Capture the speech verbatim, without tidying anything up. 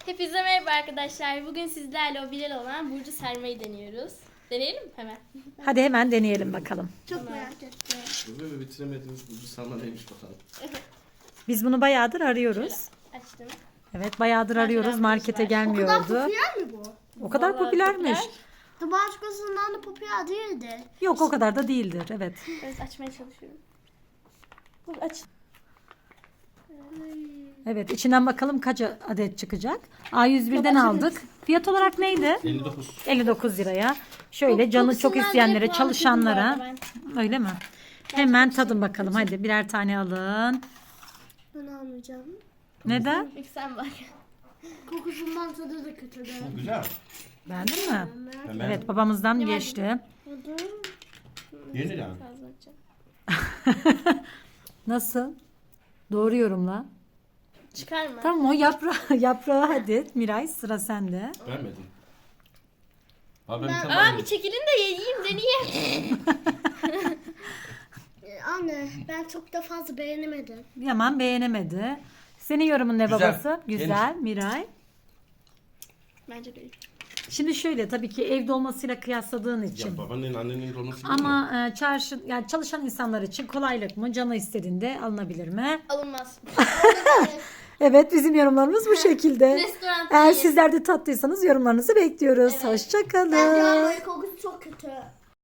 Hepinize merhaba arkadaşlar. Bugün sizlerle o Bilal olan burcu sermeyi deniyoruz. Deneyelim mi hemen? Hadi hemen deneyelim bakalım. Çok tamam. merak ettim. Böyle bitiremediğimiz burcu sarma neymiş bakalım. Biz bunu bayağıdır arıyoruz. Şöyle açtım. Evet bayağıdır Ben arıyoruz. şöyle Markete var. O kadar gelmiyordu. popüler mi bu? O kadar Vallahi popülermiş. popüler. Başkasından da popüler değildi. Yok o kadar da değildir. Evet. Evet açmaya çalışıyorum. Dur aç. Evet içinden bakalım kaç adet çıkacak. A yüz birden aldık. Fiyat olarak neydi? elli dokuz. elli dokuz liraya. Şöyle Kok- canı çok kokusundan isteyenlere, direkt puan kırdım bu çalışanlara. arada ben. Öyle mi? Hemen tadın bakalım. Hadi birer tane alın. Ben almayacağım. Neden? İlk sen bak. Kokusundan tadı da kötüdü. Güzel. Beğendin mi? Hemen Evet babamızdan geçti. Yeni yani. Fazla açacağım. Nasıl? Doğru yorumla. Çıkarma. Tamam o yaprağı, yaprağı hadi. Miray sıra sende. Beğenmedim. Abi ben, Aa tamam. bir çekilin de yiyeyim deneyeyim. Ee, Anne ben çok da fazla beğenemedim. Yaman beğenemedi. Senin yorumun ne Güzel. babası? Güzel. Miray. Bence de iyi. Şimdi şöyle tabii ki evde olmasıyla kıyasladığın için. Ya babanın annenin dolması gibi mi? Ama e, çarşı yani çalışan insanlar için kolaylık mı? Canı istediğinde alınabilir mi? Alınmaz. Evet bizim yorumlarımız bu şekilde. Restoran Eğer değil. sizler de tattıysanız yorumlarınızı bekliyoruz. Bence Hoşçakalın. ama kokusu çok kötü.